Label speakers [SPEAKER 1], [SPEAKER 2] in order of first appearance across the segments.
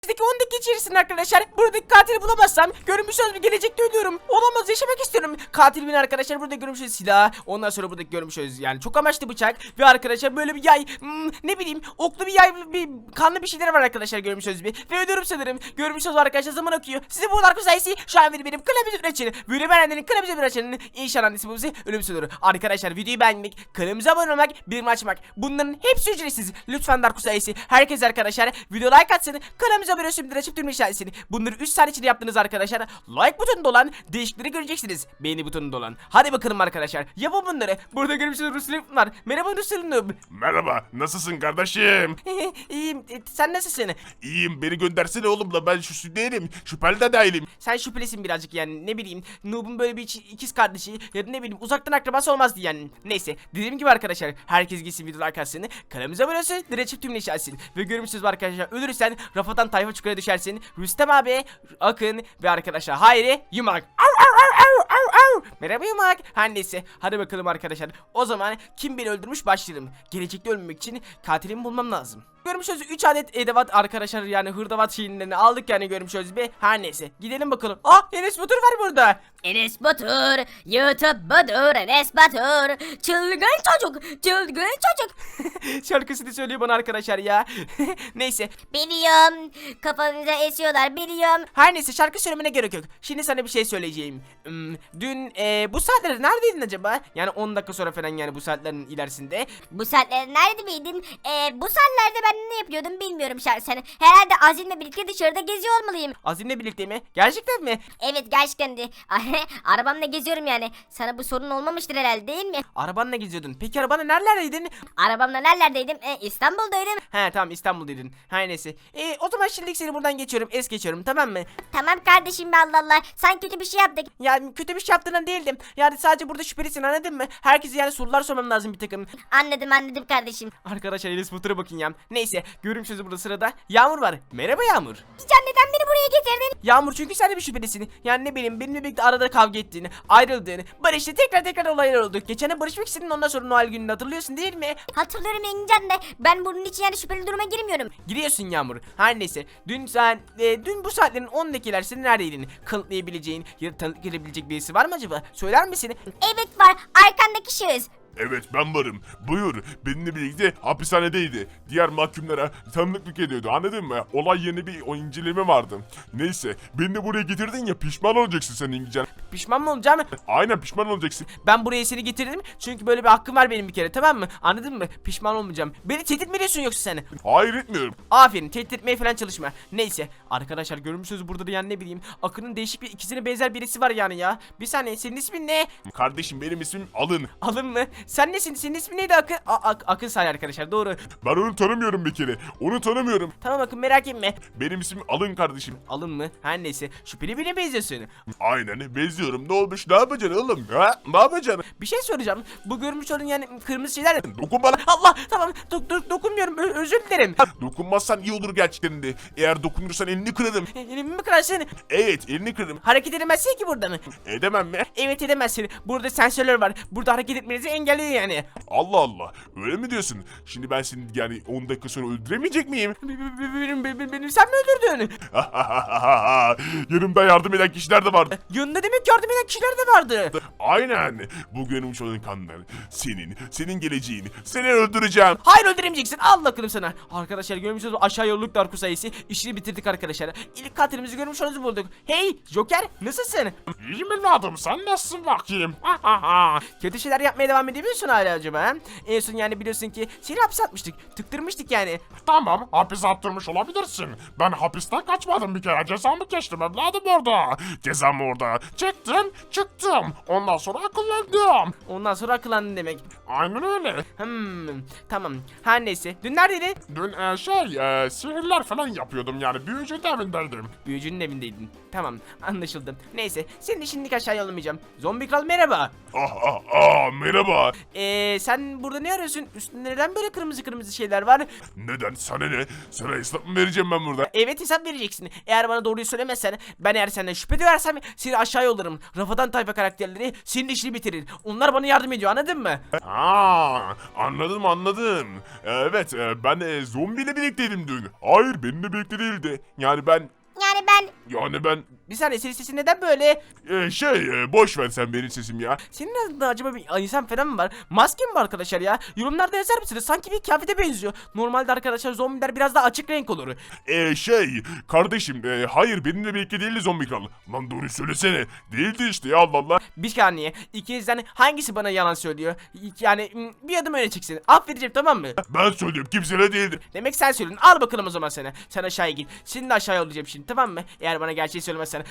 [SPEAKER 1] Önümüzdeki 10 dakika içerisinde arkadaşlar buradaki katili bulamazsam görünmüş söz bir gelecekte ölüyorum. Olamaz, yaşamak istiyorum. Katil benim arkadaşlar, burada görmüş silah. Ondan sonra buradaki görmüş yani çok amaçlı bıçak ve arkadaşlar böyle bir yay, ne bileyim oklu bir yay, bir kanlı bir şeyler var arkadaşlar görmüş bir. Ve ölüyorum sanırım. Görmüş söz arkadaşlar, zaman akıyor. Size bu arka sayısı şu an benim klavye açın. Böyle beğenenlerin klavye açın. İnşallah annesi bu bize ölüm olur. Arkadaşlar videoyu beğenmek, kanalımıza abone olmak, bildirim açmak. Bunların hepsi ücretsiz. Lütfen Darko sayısı. Herkes arkadaşlar video like atsın. Kanalımıza abone olsun, açıp düğme işaretini. Bunları 3 saniye içinde yaptınız arkadaşlar. Like butonunda olan değişiklikleri göreceksiniz. Beğeni butonunda olan. Hadi bakalım arkadaşlar. Yapın bunları. Burada görmüşsünüz Ruslan var. Merhaba Ruslan.
[SPEAKER 2] Merhaba, nasılsın kardeşim?
[SPEAKER 1] İyiyim. Sen nasılsın?
[SPEAKER 2] İyiyim, beni göndersene oğlumla, ben şu değilim, şüpheli de değilim.
[SPEAKER 1] Sen şüphelisin birazcık yani, ne bileyim. Noob'un böyle bir ikiz kardeşi ya da ne bileyim uzaktan akrabası olmazdı yani. Neyse, dediğim gibi arkadaşlar, herkes gitsin video like atsın. Kanalımıza abone olsun, açıp tümünü işaretsin. Ve görmüşsünüz arkadaşlar, ölürsen Rafadan tayfa çukura düşersin. Rüstem abi, Akın ve arkadaşlar Hayri Yumak. Merhaba Yumak. Her neyse, hadi bakalım arkadaşlar. O zaman kim beni öldürmüş başlayalım. Gelecekte ölmemek için katilimi bulmam lazım. Görmüşüz 3 adet edevat arkadaşlar, yani hırdavat şeylerini aldık yani görmüşüz bir. Her neyse, gidelim bakalım. Enes Batur var burada.
[SPEAKER 3] Enes Batur, YouTube budur, Enes Batur, çılgın çocuk, çılgın çocuk.
[SPEAKER 1] Şarkısını söylüyor bana arkadaşlar ya. Neyse.
[SPEAKER 3] Biliyorum, kafamıza esiyorlar, biliyorum.
[SPEAKER 1] Her neyse, şarkı söylemene gerek yok. Şimdi sana bir şey söyleyeceğim. Dün bu saatlerde neredeydin acaba? Yani 10 dakika sonra falan, yani bu saatlerin ilerisinde.
[SPEAKER 3] Bu saatlerde nerede miydin? Bu saatlerde ben ne yapıyordum bilmiyorum şahsen. Herhalde Azim'le birlikte dışarıda geziyor olmalıyım.
[SPEAKER 1] Azim'le birlikte mi? Gerçekten mi?
[SPEAKER 3] Evet, gerçekten de. Arabamla geziyorum yani. Sana bu sorun olmamıştır herhalde, değil mi?
[SPEAKER 1] Arabanla geziyordun. Peki arabanla nerelerdeydin?
[SPEAKER 3] Arabamla nerelerdeydim? İstanbul'daydım.
[SPEAKER 1] He tamam, İstanbul'daydın. Her neyse. O zaman şimdilik seni buradan geçiyorum. Geçiyorum, tamam mı?
[SPEAKER 3] Tamam kardeşim be, Allah Allah. Sen kötü bir şey yaptık.
[SPEAKER 1] Yani kötü bir şey yaptığından değildim. Yani sadece burada şüphelisin, anladın mı? Herkese yani sorular sormam lazım bir takım.
[SPEAKER 3] Anladım kardeşim.
[SPEAKER 1] Arkadaşlar Enes Batur'a bakın ya. Neyse, görüşürüz burada sırada. Yağmur var. Merhaba Yağmur.
[SPEAKER 3] Can, neden beni buraya getirdin?
[SPEAKER 1] Yağmur, çünkü sen de bir şüphelisin. Yani ne bileyim, benimle birlikte arada kavga ettiğini, ayrıldığını, barıştı, tekrar olaylar oldu. Geçen barışmak istedin, ondan sonra Noel gününü hatırlıyorsun değil mi?
[SPEAKER 3] Hatırlıyorum Engincan de. Ben bunun için yani şüpheli duruma girmiyorum.
[SPEAKER 1] Giriyorsun Yağmur. Her neyse. Dün bu saatlerin 10 dakikalar neredeydin? Kanıtlayabileceğin ya da tanık gelebilecek birisi var mı acaba? Söyler misin?
[SPEAKER 3] Evet var. Arkandaki şahıs.
[SPEAKER 2] Evet, ben varım. Buyur, benimle birlikte hapishanedeydi. Diğer mahkumlara tanıklık ediyordu, anladın mı? Olay yerine bir o inceleme vardı. Neyse, beni de buraya getirdin ya, pişman olacaksın sen İngilizcen.
[SPEAKER 1] Pişman mı olacağım?
[SPEAKER 2] Aynen, pişman olacaksın.
[SPEAKER 1] Ben buraya seni getirdim çünkü böyle bir hakkım var benim bir kere, tamam mı? Anladın mı? Pişman olmayacağım. Beni tehdit mi ediyorsun yoksa sen?
[SPEAKER 2] Hayır, etmiyorum.
[SPEAKER 1] Aferin, tehdit etmeye falan çalışma. Neyse arkadaşlar, görmüşsünüz burada da yani ne bileyim Akın'ın değişik bir ikizine benzer birisi var yani ya. Bir saniye, senin ismin ne?
[SPEAKER 2] Kardeşim, benim ismim Alın.
[SPEAKER 1] Alın mı? Sen nesin? Senin ismin neydi Akın? Akın say arkadaşlar, doğru.
[SPEAKER 2] Ben onu tanımıyorum bir kere. Onu tanımıyorum.
[SPEAKER 1] Tamam Akın, merak etme.
[SPEAKER 2] Benim ismim Alın kardeşim.
[SPEAKER 1] Alın mı? Her neyse, şüpheli birine benziyorsun.
[SPEAKER 2] Aynen, benziyorum. Ne olmuş? Ne yapacaksın oğlum? Ha? Ne yapacaksın?
[SPEAKER 1] Bir şey soracağım. Bu görmüş olduğun yani kırmızı şeyler.
[SPEAKER 2] Dokun bana.
[SPEAKER 1] Allah, tamam, dokunmuyorum, özür dilerim.
[SPEAKER 2] Dokunmazsan iyi olur gerçekten de. Eğer dokunursan elini kırarım.
[SPEAKER 1] Elimi mi kırarsın?
[SPEAKER 2] Evet, elini kırarım.
[SPEAKER 1] Hareket edemezsin ki burada mı?
[SPEAKER 2] Edemem mi?
[SPEAKER 1] Evet, edemezsin. Burada sensörler var. Burada hareket etmenizi engelliyor yani.
[SPEAKER 2] Allah Allah. Öyle mi diyorsun? Şimdi ben seni yani 10 dakika sonra öldüremeyecek miyim?
[SPEAKER 1] Beni sen mi öldürdün?
[SPEAKER 2] Yanımda yardım eden kişiler de vardı.
[SPEAKER 1] Yanında demek yardım eden kişiler de vardı.
[SPEAKER 2] Aynen. Bu görmüş olan kanlar. Senin geleceğini. Seni öldüreceğim.
[SPEAKER 1] Hayır, öldüremeyeceksin. Allah kılım sana. Arkadaşlar görmüşsünüz, aşağı yolluk Darko sayısı. İşini bitirdik arkadaşlar. İlk katilimizi görmüş olduğunuzu bulduk. Hey Joker, nasılsın?
[SPEAKER 2] İyiyim evladım, sen nasılsın bakayım?
[SPEAKER 1] Kötü şeyler yapmaya devam edebiliyorsun hala acaba? En son yani biliyorsun ki seni hapse atmıştık. Tıktırmıştık yani.
[SPEAKER 2] Tamam, hapis attırmış olabilirsin. Ben hapisten kaçmadım bir kere. Cezamı geçtim evladım orada. Cezamı orada çektim, çıktım. Ondan sonra akıllandım.
[SPEAKER 1] Ondan sonra akıllandın demek.
[SPEAKER 2] Aynen öyle.
[SPEAKER 1] Tamam. Her neyse. Dün neredeydin?
[SPEAKER 2] Dün sihirler falan yapıyordum yani. Büyücünün evindeydim.
[SPEAKER 1] Büyücünün evindeydin. Tamam, anlaşıldı. Neyse, seni şimdilik aşağı yollamayacağım. Zombi kral merhaba.
[SPEAKER 2] Merhaba. ya.
[SPEAKER 1] Sen burada ne arıyorsun? Üstünde neden böyle kırmızı kırmızı şeyler var?
[SPEAKER 2] Neden? Sana ne? Sana hesap mı vereceğim ben burada?
[SPEAKER 1] Evet, hesap vereceksin. Eğer bana doğruyu söylemezsen, ben eğer senden şüphe duyarsam seni aşağı yollarım. Rafadan tayfa karakterleri senin işini bitirir. Onlar bana yardım ediyor, anladın mı?
[SPEAKER 2] Ha, anladım. Evet, ben zombiyle birlikteydim dün. Hayır, benimle birlikte değildi. Yani ben
[SPEAKER 1] Bir saniye, senin sesin neden böyle?
[SPEAKER 2] boş ver sen benim sesim ya.
[SPEAKER 1] Senin adında acaba bir insan falan mı var? Maske mi var arkadaşlar ya? Yorumlarda yazar mısınız? Sanki bir kıyafete benziyor. Normalde arkadaşlar zombiler biraz daha açık renk olur.
[SPEAKER 2] Kardeşim, hayır benimle birlikte değildi zombi kral. Lan doğru söylesene. Değildi işte ya, Allah Allah.
[SPEAKER 1] Bir saniye. İkinizden hangisi bana yalan söylüyor? Yani bir adım öne çıksın. Affedeceğim, tamam mı?
[SPEAKER 2] Ben söylüyorum, kimseyle değildi.
[SPEAKER 1] Demek sen söyledin. Al bakalım o zaman sana. Sen aşağıya git. Seni de aşağıya yollayacağım şimdi, tamam mı? Eğer bana gerçeği söylemezsen.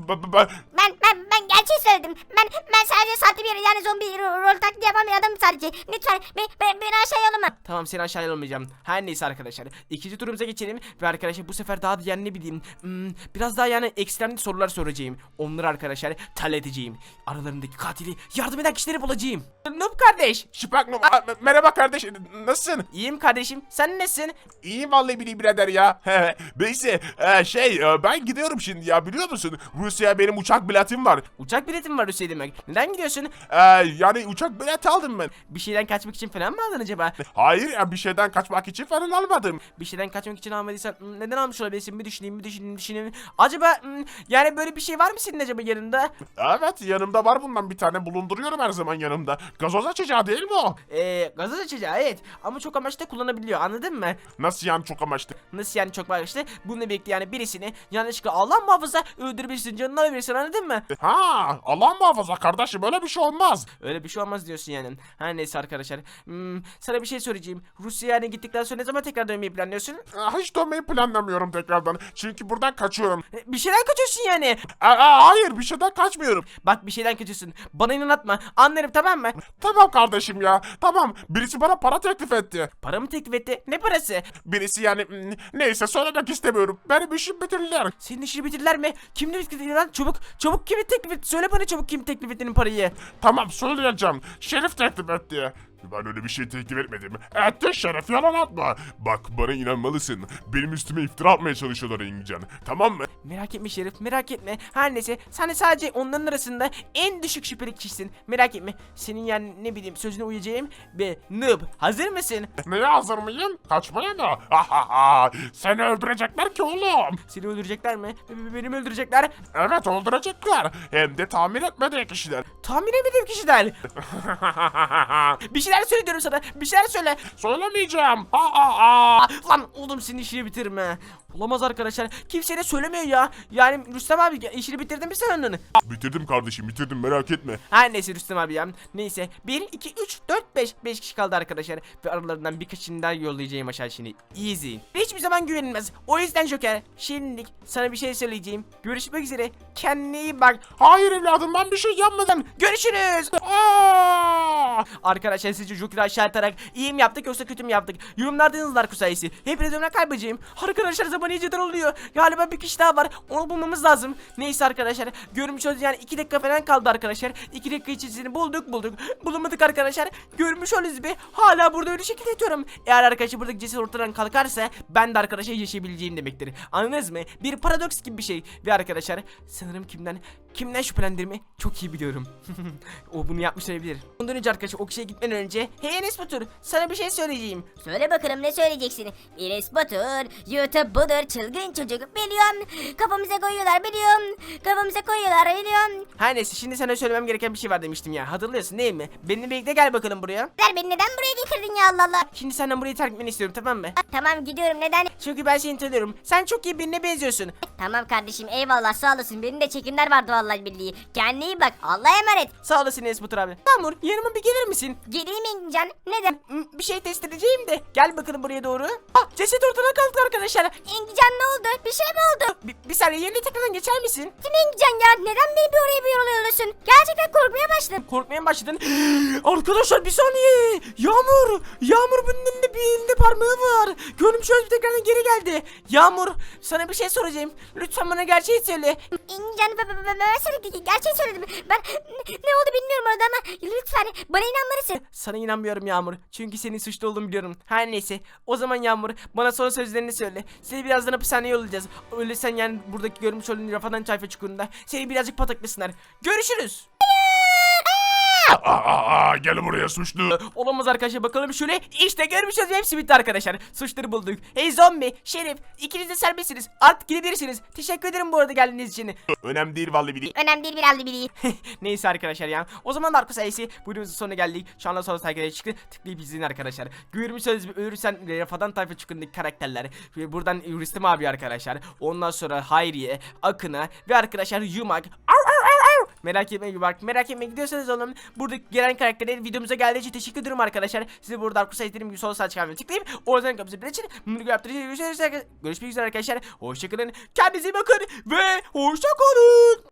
[SPEAKER 3] Ben gerçeği söyledim. Ben sadece sahte bir yani zombi rol taklidi yapan bir adamım sadece. Lütfen beni aşağı yollama.
[SPEAKER 1] Tamam, seni aşağıya yollamayacağım. Her neyse arkadaşlar. İkinci turumuza geçelim. Ve arkadaşlar bu sefer daha da yani ne bileyim. Biraz daha yani ekstremli sorular soracağım. Onları arkadaşlar halledeceğim. Aralarındaki katili yardım eden kişileri bulacağım. Noob kardeş.
[SPEAKER 2] Şıpak merhaba kardeş, nasılsın?
[SPEAKER 1] İyiyim kardeşim. Sen nesin?
[SPEAKER 2] İyiyim vallahi bileyim birader ya. Neyse, ben gidiyorum şimdi ya, biliyor musun? Rusya'ya benim uçak biletim var.
[SPEAKER 1] Uçak biletim var Hüseyin demek. Neden gidiyorsun?
[SPEAKER 2] Yani uçak bileti aldım ben.
[SPEAKER 1] Bir şeyden kaçmak için falan mı aldın acaba?
[SPEAKER 2] Hayır ya, bir şeyden kaçmak için falan almadım.
[SPEAKER 1] Bir şeyden kaçmak için almadıysan neden almış olabilirsin? Bir düşüneyim. Acaba yani böyle bir şey var mı senin acaba yanında?
[SPEAKER 2] Evet, yanımda var, bundan bir tane bulunduruyorum her zaman yanımda. Gazoz açacağı değil mi o?
[SPEAKER 1] Gazoz açacağı, evet. Ama çok amaçlı kullanabiliyor, anladın mı?
[SPEAKER 2] Nasıl yani çok amaçlı?
[SPEAKER 1] Nasıl yani çok amaçlı? Bununla birlikte yani birisini yanlışlıkla Allah muhafaza öldürebilirsin, canını alabilirsin, anladın mı?
[SPEAKER 2] Ha, Allah muhafaza kardeşim, öyle bir şey olmaz.
[SPEAKER 1] Öyle bir şey olmaz diyorsun yani. Her neyse arkadaşlar. Sana bir şey söyleyeceğim. Rusya'ya yani gittikten sonra ne zaman tekrar dönmeyi planlıyorsun?
[SPEAKER 2] Hiç dönmeyi planlamıyorum tekrardan. Çünkü buradan kaçıyorum.
[SPEAKER 1] Bir şeyden kaçıyorsun yani.
[SPEAKER 2] Hayır, bir şeyden kaçmıyorum.
[SPEAKER 1] Bak, bir şeyden kaçıyorsun. Bana inanatma. Anlarım, tamam mı?
[SPEAKER 2] Tamam kardeşim ya. Tamam. Birisi bana para teklif etti.
[SPEAKER 1] Para mı teklif etti? Ne parası?
[SPEAKER 2] Birisi yani neyse söylemek istemiyorum. Benim işim bitirdiler.
[SPEAKER 1] Senin işini bitirdiler mi? Kim teklif etti lan? Çabuk kimi teklif etti? Söyle bana çabuk, kim teklif ettiğinin parayı.
[SPEAKER 2] Tamam söyleyeceğim. Şerif teklif etti. Ben öyle bir şey teklif etmedim. Etti Şerif, yalan atma. Bak, bana inanmalısın. Benim üstüme iftira atmaya çalışıyorlar Engincan. Tamam mı?
[SPEAKER 1] Merak etme Şerif, merak etme. Her neyse, sen de sadece onların arasında en düşük şüpheli kişisin. Merak etme. Senin yani ne bileyim sözüne uyacağım ve noob. Hazır mısın?
[SPEAKER 2] Neye hazır mıyım? Kaçmaya mı? Seni öldürecekler ki oğlum.
[SPEAKER 1] Seni öldürecekler mi? Beni mi öldürecekler?
[SPEAKER 2] Evet, öldürecekler. Hem de tahmin etmediği kişiler.
[SPEAKER 1] Tahmin etmediğim kişiler. Bir şeyler söyle diyorum sana. Bir şeyler söyle.
[SPEAKER 2] Söylemeyeceğim.
[SPEAKER 1] Lan oğlum, senin işini bitirme. Olamaz arkadaşlar. Kimseye de söylemiyor ya. Yani Rüstem abi, işini bitirdin mi sen onun?
[SPEAKER 2] Bitirdim kardeşim, bitirdim, merak etme.
[SPEAKER 1] Her neyse Rüstem abi ya. Neyse. 1, 2, 3, 4, 5. 5 kişi kaldı arkadaşlar. Ve aralarından birkaçını daha yollayacağım aşağı şimdi. Easy. Hiçbir zaman güvenilmez. O yüzden Joker, şimdilik sana bir şey söyleyeceğim. Görüşmek üzere. Kendine iyi bak.
[SPEAKER 2] Hayır evladım, ben bir şey yapmadım.
[SPEAKER 1] Görüşürüz. Arkadaşlar, sizce Joker'ı aşağı atarak iyi mi yaptık yoksa kötü mü yaptık? Yorumlarda yazın Darko sayesi. Hepinize ömrüne kaybedeceğim. Arkadaşlar, zaman iyiceden oluyor. Galiba bir kişi daha var. Onu bulmamız lazım. Neyse arkadaşlar. Görmüş olduğunuz yani 2 dakika falan kaldı arkadaşlar. 2 dakika içerisinde bulduk. Bulamadık arkadaşlar. Görmüş olduğunuz gibi hala burada öyle şekilde yatıyorum. Eğer arkadaşlar buradaki ceset ortadan kalkarsa ben de arkadaşlar yaşayabileceğim demektir. Anladınız mı? Bir paradoks gibi bir şey. Ve arkadaşlar sanırım kimden şüphelendirme çok iyi biliyorum. O bunu yapmış olabilir. Ondan önce arkadaşlar o kişiye gitmeden önce, hey Enes Batur, sana bir şey söyleyeceğim.
[SPEAKER 3] Söyle bakalım, ne söyleyeceksin? Enes Batur, YouTube budur, çılgın çocuk, biliyorum. Kafamıza koyuyorlar, biliyorum.
[SPEAKER 1] Her neyse, şimdi sana söylemem gereken bir şey var demiştim ya. Hatırlıyorsun değil mi? Benimle birlikte gel bakalım buraya.
[SPEAKER 3] Beni neden buraya getirdin ya, Allah Allah?
[SPEAKER 1] Şimdi senden burayı terk etmeni istiyorum, tamam mı?
[SPEAKER 3] Tamam, gidiyorum, neden?
[SPEAKER 1] Çünkü ben seni tanıyorum. Sen çok iyi birine benziyorsun.
[SPEAKER 3] Tamam kardeşim, eyvallah, sağ olasın. Benim de çekimler vardı vallahi billahi. Kendine iyi bak, Allah'a emanet.
[SPEAKER 1] Sağ olasın Enes Batur abi. Yağmur, yanıma bir gelir misin?
[SPEAKER 3] Geleyim Engincan, neden?
[SPEAKER 1] Bir şey test edeceğim de. Gel bakalım buraya doğru. Ceset ortadan kalktı arkadaşlar.
[SPEAKER 3] Engincan, ne oldu? Bir şey mi oldu?
[SPEAKER 1] Bir saniye yerine tekrardan geçer misin?
[SPEAKER 3] Şimdi Engin ya neden beni bir oraya bir yol yolluyorsun? Gerçekten korkmaya başladım.
[SPEAKER 1] Korkmaya mı başladın? Arkadaşlar bir saniye. Yağmur bunun elinde bir elinde parmağı var. Görmüş olduğunuz tekrardan geri geldi. Yağmur sana bir şey soracağım. Lütfen bana gerçeği söyle.
[SPEAKER 3] Engin ben sana gerçeği söyledim. Ben ne oldu bilmiyorum orada ama lütfen bana inanmalısın.
[SPEAKER 1] Sana inanmıyorum Yağmur. Çünkü senin suçlu olduğunu biliyorum. Her neyse. O zaman Yağmur bana son sözlerini söyle. Seni birazdan hapishaneye yollayacağız. Öyle sen yani buradaki görmüş olduğun Rafadan Tayfa çukurunda seni birazcık pataklasınlar. Görüşürüz.
[SPEAKER 2] Gel buraya suçlu.
[SPEAKER 1] Olamaz arkadaşlar, bakalım şöyle. İşte görmüş olduğunuz hepsi bitti arkadaşlar. Suçları bulduk. Hey zombi, Şerif, ikiniz de serbestsiniz. Artık gidebilirsiniz. Teşekkür ederim bu arada geldiğiniz için.
[SPEAKER 2] Önemli değil vallahi biri.
[SPEAKER 3] Önemli değil bir aldı biri.
[SPEAKER 1] Neyse arkadaşlar ya. O zaman Darko sayesi bu videomuzun sonuna geldik. Şu anda sonra takip çıktı. Tıklayıp izleyin arkadaşlar. Görmüş olduğunuz ölürsen Rafadan Tayfa çukurundaki karakterler. Ve buradan Rüstem abi arkadaşlar. Ondan sonra Hayriye, Akın'a ve arkadaşlar Yumak. Merak etmeyin bak, merak etmeyin gidiyorsanız oğlum. Burada gelen karakterlerin videomuza geldiği için teşekkür ederim arkadaşlar. Size burada Darko sayesi dediğim gibi sol sağ çıkarmayı tıklayıp oradan kapısı bir için bunları yaptıracağız. Görüşmek üzere arkadaşlar. Hoşçakalın. Kendinize iyi bakın ve hoşçakalın.